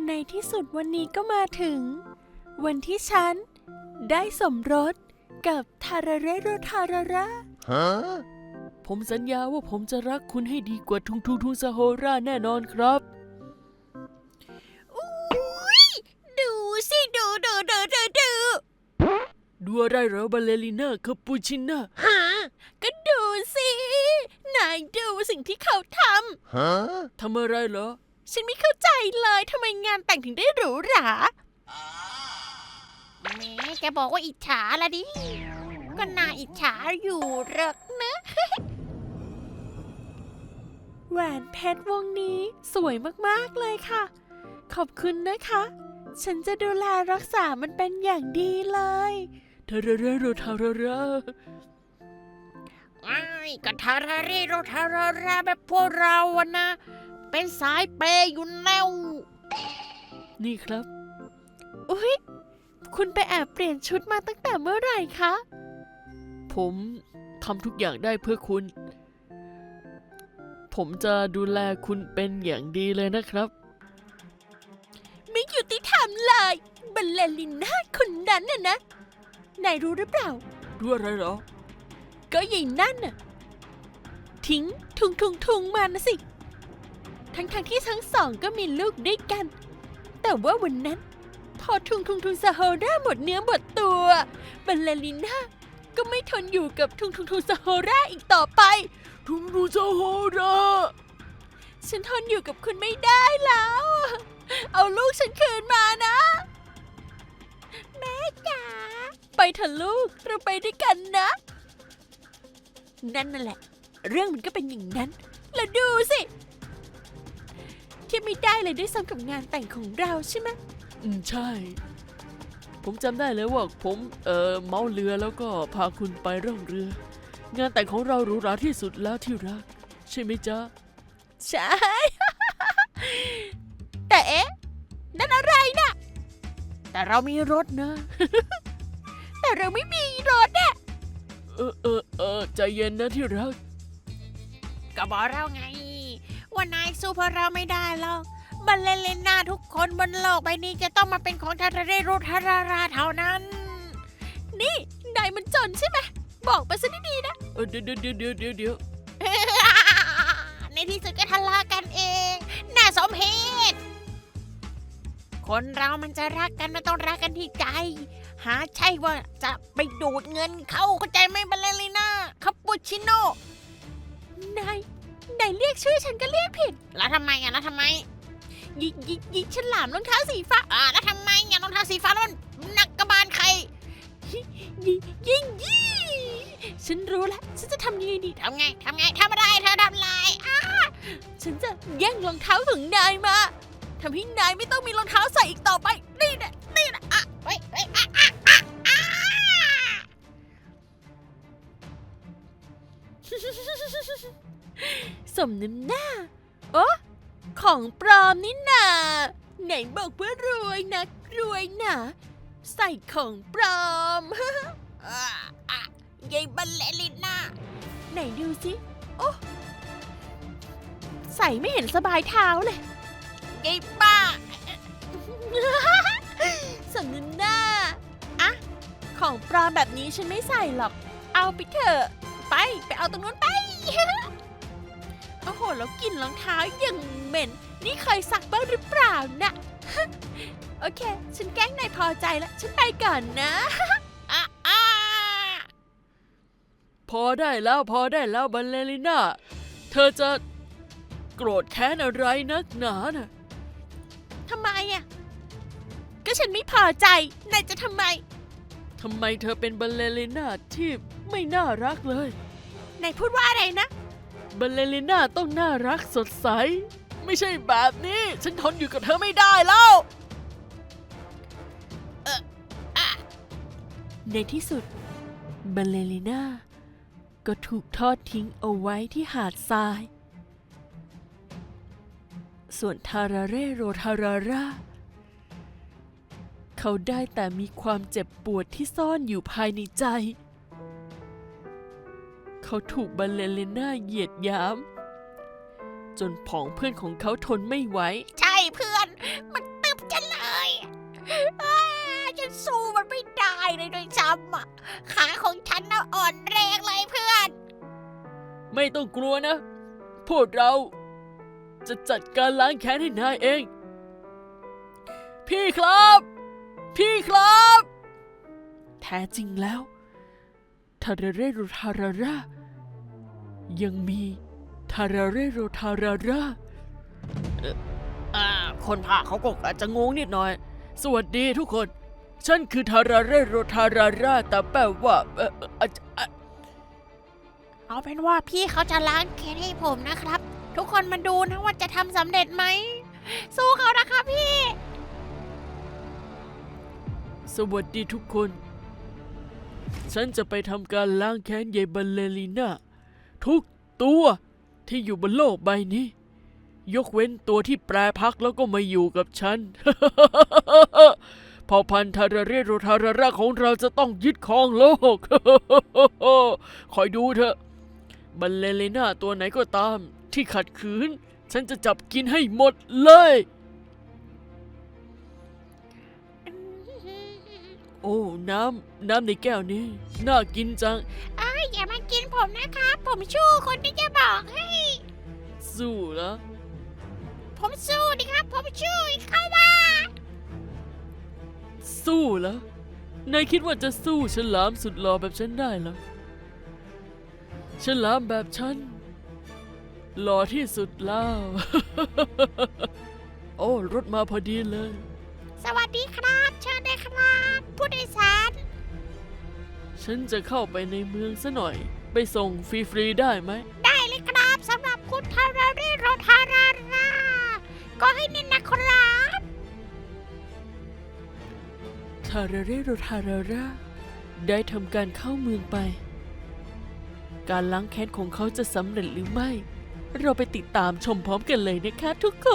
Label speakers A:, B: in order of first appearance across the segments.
A: ในที่สุดวันนี้ก็มาถึงวันที่ฉันได้สมรสกับทาราเรโรทาราระผมสัญญาว่าผมจะรักคุณให้ดีกว่าทุงซาโฮราแน่นอนครับ
B: ดูสิดู
A: อะไรเหรอบาเลริน่าคาปูชิน่า
B: ก็ดูสินายดูสิ่งที่เขาท
A: ทำอะไรเหรอ
B: ฉันไม่เข้าใจเลยทำไมงานแต่งถึงได้หรูหราแหมแกบอกว่าอิจฉาละดิก็น่าอิจฉาอยู่หรอกนะ
A: แหวนเพชรวงนี้สวยมากๆเลยค่ะขอบคุณนะคะฉันจะดูแลรักษามันเป็นอย่างดีเลยทาราเรโรทาราระ
B: ก็ทาราเรโรทาราระแบบพวกเราอะนะเป็นสายเปย์อยู่แล้ว
A: นี่ครับอุ๊ยคุณไปแอบเปลี่ยนชุดมาตั้งแต่เมื่อไหร่คะผมทำทุกอย่างได้เพื่อคุณผมจะดูแลคุณเป็นอย่างดีเลยนะครับ
B: ไม่ยุติธรรมเลยบัลเลริน่าคนนั้นน่ะนะนายรู้หรือเปล่า
A: รู้อะไรเหรอ
B: ก็ยายนั่นน่ะทิ้งทุงมานะสิทั้งที่ทั้งสองก็มีลูกด้วยกันแต่ว่าวันนั้นพอทุงซาโฮราหมดเนื้อหมดตัวบัลเลริน่าก็ไม่ทนอยู่กับทุงซาโฮราอีกต่อไป
A: ทุงซาโฮรา
B: ฉันทนอยู่กับคุณไม่ได้แล้วเอาลูกฉันคืนมานะแม่จ๋าไปเถอะลูกเราไปด้วยกันนะนั่นแหละเรื่องมันก็เป็นอย่างนั้นแล้วดูสิที่ไม่ได้เลยด้วยซ้ำกับงานแต่งของเราใช่ไหม
A: ใช่ผมจำได้เลยว่าผมเมาเรือแล้วก็พาคุณไปร่องเรืองานแต่งของเราหรูหราที่สุดแล้วที่รักใช่ไหมจ๊ะ
B: ใช่ แต่เอ๊ะนั่นอะไรนะแต่เรามีรถนะ แต่เราไม่มีรถอะ
A: ใจเย็นนะที่รัก
B: ก็บอกเราไงว่านายสู้พวกเราไม่ได้หรอกบัลเลน่าทุกคนบนโลกใบนี้จะต้องมาเป็นของทาราเรโรทาราราเท่านั้นนี่นายมันจนใช่ไหมบอกไปซะดีๆนะ
A: เดี๋ยว
B: ในที่สุดก็ทะเลาะกันเองน่าสมเพชคนเรามันจะรักกันมันต้องรักกันที่ใจหาใช่ว่าจะไปดูดเงินเข้าใจไหมบัลเลริน่าคาปูชิโน่นายเรียกชื่อฉันก็เรียกผิดแล้วทำไมยิกฉลามรองเท้าสีฟ้าแล้วทำไมรองเท้าสีฟ้าแล้วมันหนักกระบาลใครยิงฉันรู้แล้วฉันจะทำยังไงดีทำไงทำอะไรเธอทำไรฉันจะแย่งรองเท้าของนายมาทำให้นายไม่ต้องมีรองเท้าใส่อีกต่อไปนี่นะสมน้ำหน้าของปลอมนี่นาไหนบอกว่ารวยนะใส่ของปลอมยายบัลเลริน่าไหนดูสิโอ้ใส่ไม่เห็นสบายเท้าเลยยายบ้า สมน้ำหน้าของปลอมแบบนี้ฉันไม่ใส่หรอกเอาไปเถอะไปเอาตรงนู้นไป โอ้โหแล้วกลิ่นรองเท้าอย่างเหม็นนี่เคยซักบ้างหรือเปล่านะ โอเคฉันแกล้งนายพอใจแล้วฉันไปก่อนนะ
A: พอได้แล้วบัลเลริน่าเธอจะโกรธแค้นอะไรนักหนาน่ะ
B: ทำไมก็ฉันไม่พอใจนายจะทำไม
A: เธอเป็นบัลเลริน่าที่ไม่น่ารักเลย
B: นายพูดว่าอะไรนะ
A: บัลเลริน่าต้องน่ารักสดใสไม่ใช่แบบนี้ฉันทนอยู่กับเธอไม่ได้แล้วในที่สุดบัลเลริน่าก็ถูกทอดทิ้งเอาไว้ที่หาดทรายส่วนทาราเรโรทาราราเขาได้แต่มีความเจ็บปวดที่ซ่อนอยู่ภายในใจเขาถูกบัลเลริน่าเหยียดหยามจนผองเพื่อนของเขาทนไม่ไหว
B: ใช่เพื่อนมันตึบจำอ่ะขาของฉันน่ะอ่อนแรงเลยเพื่อน
A: ไม่ต้องกลัวนะ พวกเราจะจัดการล้างแค้นให้นายเอง พี่ครับ พี่ครับ แท้จริงแล้วทาราเรโรทารารายังมีทาราเรโรทาราราคนพากย์เขาก็อาจจะงงนิดหน่อย สวัสดีทุกคน ฉันคือทาราเรโรทาราราแต่แปลว่า
B: เอาเป็นว่าพี่เขาจะล้างแค้นให้ผมนะครับ ทุกคนมาดูนะว่าจะทำสำเร็จไหม สู้เขานะคะพี่
A: สวัสดีทุกคน ฉันจะไปทำการล้างแค้นยายบัลเลริน่าทุกตัวที่อยู่บนโลกใบนี้ ยกเว้นตัวที่แปรพักแล้วก็มาอยู่กับฉัน เผ่าพันธุ์ทาราเรโรทาราราของเราจะต้องยึดครองโลก คอยดูเถอะ บัลเลริน่าตัวไหนก็ตามที่ขัดขืน ฉันจะจับกินให้หมดเลย โอ้ น้ำในแก้วนี้ น่ากินจัง
B: อย่ามากินผมนะครับ ผมชู้คนที่จะบอกให้
A: สู้เหรอ
B: ผมสู้ดิครับ ผมชู้เข้ามา
A: สู้เหรอ นายคิดว่าจะสู้ฉลามสุดหล่อแบบฉันได้เหรอ ฉลามแบบฉันหล่อที่สุดแล้ว โอ้ รถมาพอดีเลย
B: สวัสดีครับ เชิญได้ครับ ผู้โดยสาร
A: ฉันจะเข้าไปในเมืองซะหน่อย ไปส่งฟรีๆได้ไหม
B: ได้เลยครับสำหรับคุณทาราเรโรทาราราก็ให้นินนะครับ
A: ทาราเรโรทาราราได้ทำการเข้าเมืองไป การล้างแค้นของเขาจะสำเร็จหรือไม่ เราไปติดตามชมพร้อมกันเลยนะคะทุกคน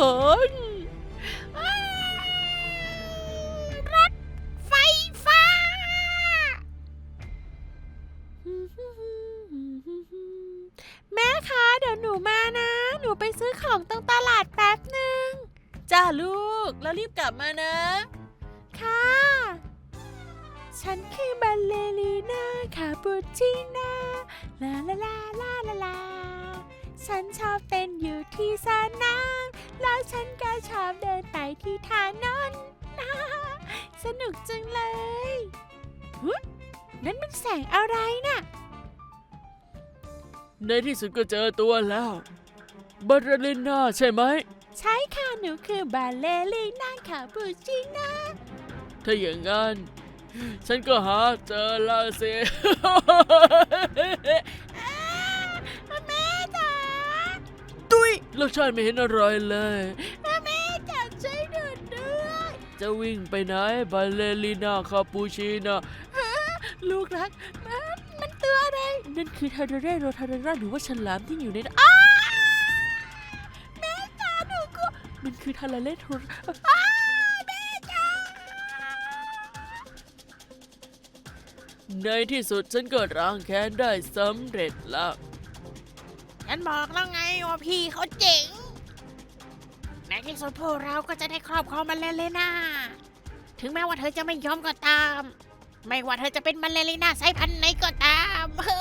B: รถไฟฟ้า แม่คะเดี๋ยวหนูมานะ หนูไปซื้อของตรงตลาดแป๊บหนึ่ง
A: จ้าลูก แล้วรีบกลับมานะ
B: ค่ะ ฉันคือบัลเลรีน่าคาปูชิน่าลาลาลาลาลาลาฉันชอบเต้นอยู่ที่สนามแล้วฉันก็ชอบเดินไปที่ถนน สนุกจังเลยนั่นมันแสงอะไรน่ะ
A: ในที่สุดก็เจอตัวแล้ว บัลเลริน่าใช่ไหม
B: ใช่ค่ะ หนูคือบัลเลรีน่าคาปูชิน่า
A: ถ้าอย่างงั้น ฉันก็หาเจอแล้วสิ
B: แม่จ๋า
A: ตุ้ยรสชาติไม่เห็นอร่อยเลย
B: แม่จ๋าช่วยหนูด้วย
A: จะวิ่งไปไหนบัลเลริน่าคาปูชิน่า
B: ลูกรักมันตัวอะไร
A: นั่นคือทาราเรโรทาราราหรือว่าฉลามที่อยู่ในนั้น
B: แม่จ๋าหนูก็
A: มันคือทาราเรโร
B: แม่จ๋า
A: ในที่สุดฉันก็ล้างแค้นได้สำเร็จแล้ว
B: ฉันบอกแล้วไงว่าพี่เขาเจ๋งในที่สุดพวกเราก็จะได้ครอบครองบัลเลริน่าถึงแม้ว่าเธอจะไม่ยอมก็ตาม ไม่ว่าเธอจะเป็นบัลเลริน่าสายพันธุ์ไหนก็ตาม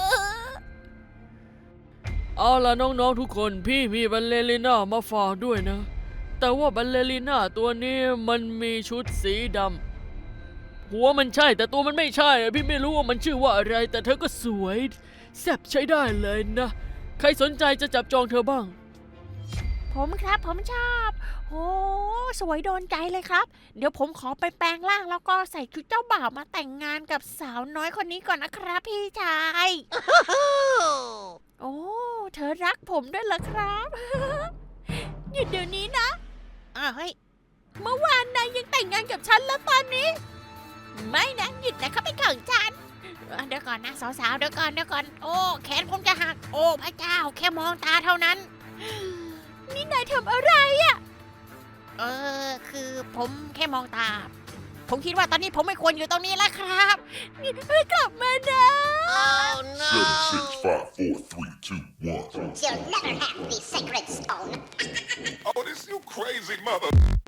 A: เอาล่ะน้องๆทุกคนพี่มีบัลเลริน่ามาฝากด้วยนะ แต่ว่าบัลเลริน่าตัวนี้มันมีชุดสีดำหัวมันใช่แต่ตัวมันไม่ใช่อะพี่ไม่รู้ว่ามันชื่อว่าอะไร แต่เธอก็สวยแซ่บใช้ได้เลยนะ ใครสนใจจะจับจองเธอบ้าง
B: ผมครับผมชอบโอ้สวยโดนใจเลยครับ เดี๋ยวผมขอไปแปลงร่างแล้วก็ใส่ชุดเจ้าบ่าวมาแต่งงานกับสาวน้อยคนนี้ก่อนนะครับพี่ชาย โอ้เธอรักผมด้วยเหรอครับ หยุดเดี๋ยวนี้นะเฮ้ยเมื่อวานนายยังแต่งงานกับฉันแล้วตอนนี้ ไม่นะหยุดนะเขาเป็นของฉันเดี๋ยวก่อนนะสาวๆเดี๋ยวก่อนโอ้แขนผมจะหักโอ้พระเจ้าแค่มองตาเท่านั้น นี่นายทำอะไรอ่ะคือผมแค่มองตา ผมคิดว่าตอนนี้ผมไม่ควรอยู่ตรงนี้แล้วครับนี่กลับมานะ
C: Oh no!
D: 7, 6, 5, 4, 3, 2, 1.
C: You'll never have the sacred stone.
D: Oh, this you crazy mother.